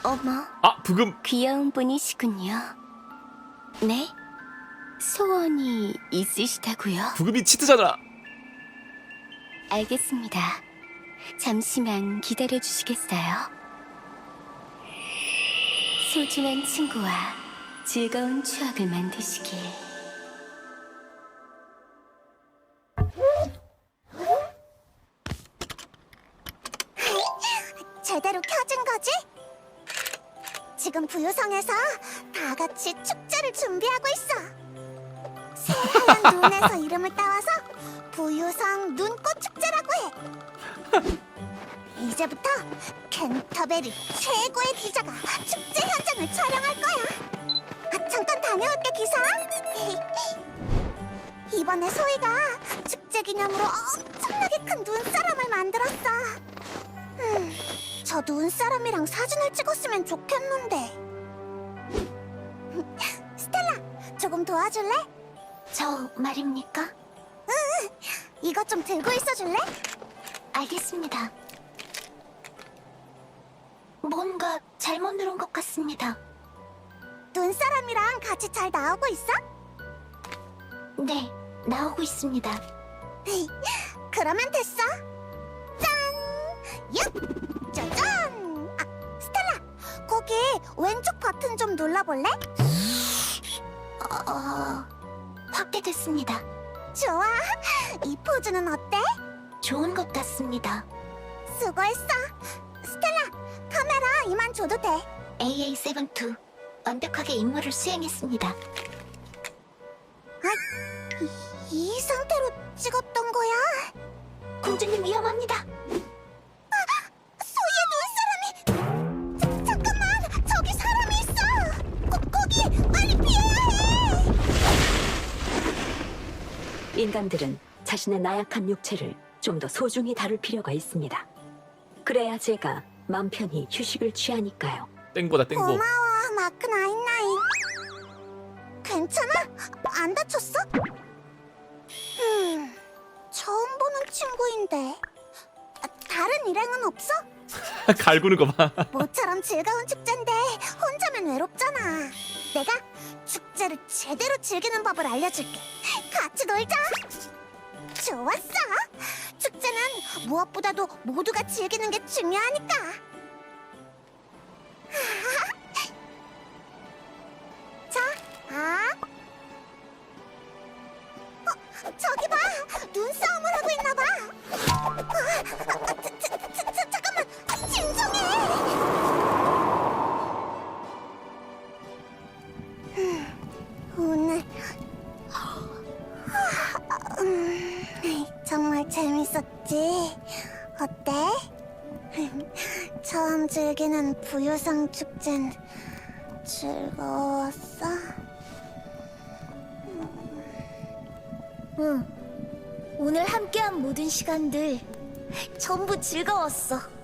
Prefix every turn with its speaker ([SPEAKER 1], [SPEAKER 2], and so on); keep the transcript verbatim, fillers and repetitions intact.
[SPEAKER 1] 어머,
[SPEAKER 2] 아, 부금.
[SPEAKER 1] 귀여운 분이시군요. 네? 소원이 있으시다고요?
[SPEAKER 2] 부금이 치트잖아.
[SPEAKER 1] 알겠습니다. 잠시만 기다려 주시겠어요? 소중한 친구와 즐거운 추억을 만드시길.
[SPEAKER 3] 제대로 켜진 거지? 지금 부유성에서 다 같이 축제를 준비하고 있어. 새하얀 눈에서 이름을 따와서 부유성 눈꽃 축제라고 해. 이제부터 캔터베리 최고의 기자가 축제 현장을 촬영할 거야. 아, 잠깐 다녀올게, 기사. 이번에 소희가 축제 기념으로 엄청나게 큰 눈사람을 만들었어. 음, 저 눈사람이랑 사진을 찍었으면 좋겠는데. 스텔라, 조금 도와줄래?
[SPEAKER 1] 저 말입니까?
[SPEAKER 3] 이것 좀 들고 있어줄래?
[SPEAKER 1] 알겠습니다. 뭔가 잘못 누른 것 같습니다.
[SPEAKER 3] 눈사람이랑 같이 잘 나오고 있어?
[SPEAKER 1] 네, 나오고 있습니다.
[SPEAKER 3] 그러면 됐어. 짠! 얍! 짜잔! 아, 스텔라, 거기 왼쪽 버튼 좀 눌러볼래?
[SPEAKER 1] 어... 확대됐습니다.
[SPEAKER 3] 좋아. 이 포즈는 어때?
[SPEAKER 1] 좋은 것 같습니다.
[SPEAKER 3] 수고했어. 스텔라, 카메라 이만 줘도 돼.
[SPEAKER 1] 에이에이 칠십이 완벽하게 임무를 수행했습니다.
[SPEAKER 3] 이, 이 상태로 찍었던 거야?
[SPEAKER 1] 공주님 위험합니다.
[SPEAKER 3] 소희의 눈사람이! 자, 잠깐만! 저기 사람이 있어! 거, 거기! 빨리 피해야 해!
[SPEAKER 4] 인간들은 자신의 나약한 육체를 좀 더 소중히 다룰 필요가 있습니다. 그래야 제가 맘 편히 휴식을 취하니까요.
[SPEAKER 2] 땡보다 땡보.
[SPEAKER 3] 고마워, 마크 나인나인. 괜찮아? 안 다쳤어? 음, 처음 보는 친구인데. 아, 다른 일행은 없어?
[SPEAKER 2] 갈구는 거 봐.
[SPEAKER 3] 모처럼 즐거운 축제인데 혼자면 외롭잖아. 내가 축제를 제대로 즐기는 법을 알려줄게. 같이 놀자. 좋았어. 축제는 무엇보다도 모두가 즐기는 게 중요하니까. 자, 아. 어, 저기 봐. 눈싸움을 하고 있나 봐. 아, 아, 자, 자, 자, 자, 잠깐만. 진정해. 음, 오늘 음, 정말 재밌었지? 어때? 처음 즐기는 부유성 축제는 즐거웠어?
[SPEAKER 1] 응. 오늘 함께한 모든 시간들 전부 즐거웠어.